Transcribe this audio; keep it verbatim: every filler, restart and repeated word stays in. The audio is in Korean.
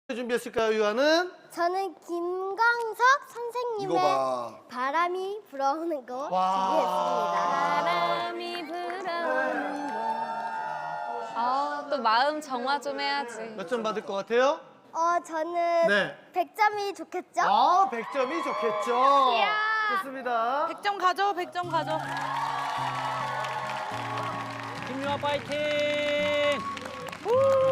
준비했을까요, 유아는? 저는 김광석 선생님의 이거 봐. 바람이 불어오는 거 와. 준비했습니다. 바람이 불어오는 거. 아, 또 마음 정화 좀 해야지. 몇 점 받을 것 같아요? 어, 저는 네. 백 점이 좋겠죠? 아, 백 점이 좋겠죠. 좋습니다. 백 점 가져, 백 점 가져. 김유아 파이팅! 우!